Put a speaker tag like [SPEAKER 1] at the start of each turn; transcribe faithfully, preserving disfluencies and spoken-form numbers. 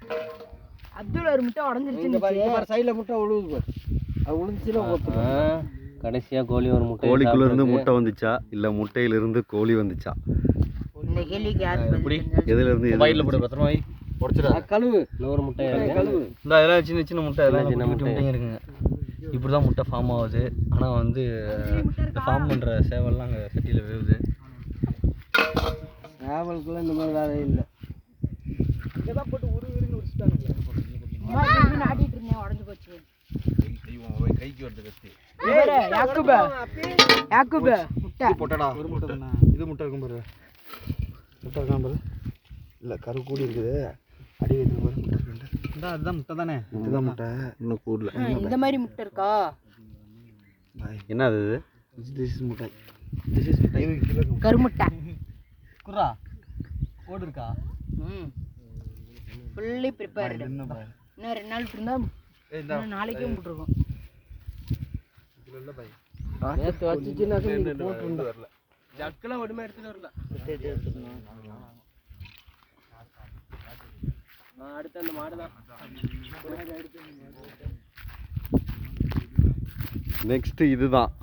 [SPEAKER 1] அப்துல் ஒரு முட்டை உடைஞ்சிருச்சு.
[SPEAKER 2] இந்த பாரு சைடுல முட்டை உழுவுது பாரு. அது உழுந்துச்சுனா ஓத்துறோம்.
[SPEAKER 3] கடைசியா கோழி ஒரு முட்டை.
[SPEAKER 4] கோழிக்குள்ள இருந்து முட்டை வந்துச்சா இல்ல முட்டையில இருந்து கோழி வந்துச்சா?
[SPEAKER 1] இந்த கேள்விக்கு யார்
[SPEAKER 3] எப்படி?
[SPEAKER 4] எதுல இருந்து
[SPEAKER 3] மொபைல்ல போடு பத்திரமா வை.
[SPEAKER 2] உடைச்சிடா. கழுவு.
[SPEAKER 3] இன்னொரு முட்டை இருக்கு.
[SPEAKER 2] கழுவு.
[SPEAKER 3] இந்த இதெல்லாம் சின்ன சின்ன முட்டை இதெல்லாம் சின்ன முட்டைங்க இருக்குங்க. இப்படி தான் முட்டை ஃபார்ம் ஆகுது. ஆனால் வந்து ஃபார்ம் பண்ணுற சேவல்லாம் அங்கே சட்டியில் வேவுது.
[SPEAKER 2] சேவலுக்குலாம் இந்த மாதிரி வேலை இல்லை. இங்கே தான் போட்டு உரு உருன்னு உரிச்சிட்டாங்க.
[SPEAKER 1] ஆட்டிட்டு இருந்தேன் உடஞ்சு போச்சு.
[SPEAKER 3] கைக்கு வருது கத்தி.
[SPEAKER 1] யாக்குப யாக்குப முட்டை
[SPEAKER 3] போட்டடா.
[SPEAKER 2] ஒரு முட்டை தானே. இது முட்டை இருக்கும் பாரு. முட்டை இருக்கான் பாரு. இல்லை கரு கூடி இருக்குது. அடி வைத்து பாரு முட்டை இருக்கு. இந்த அதுதான் முட்டை தானே. இதுதான் முட்டை. இன்னும் கூடல.
[SPEAKER 1] இந்த மாதிரி முட்டை இருக்கா?
[SPEAKER 4] என்ன அது?
[SPEAKER 2] திஸ் இஸ் முட்டை. திஸ் இஸ் முட்டை. இது கிலோ
[SPEAKER 1] கருமுட்டை.
[SPEAKER 2] குர்ரா. ஓடு இருக்கா?
[SPEAKER 1] ம். Fully prepared. இன்னும் ரெண்டு நாள் இருந்தா இன்னும் நாளைக்கே முட்டிருக்கும்.
[SPEAKER 2] இதுல இல்ல பை.
[SPEAKER 3] நேத்து வச்சிச்சினா சொல்லி போட்டு
[SPEAKER 2] வரல. ஜக்கெல்லாம் ஒண்ணுமே எடுத்துட்டு வரல.
[SPEAKER 3] அடுத்து அந்த மாடு தான்.
[SPEAKER 4] நெக்ஸ்ட் இதுதான்.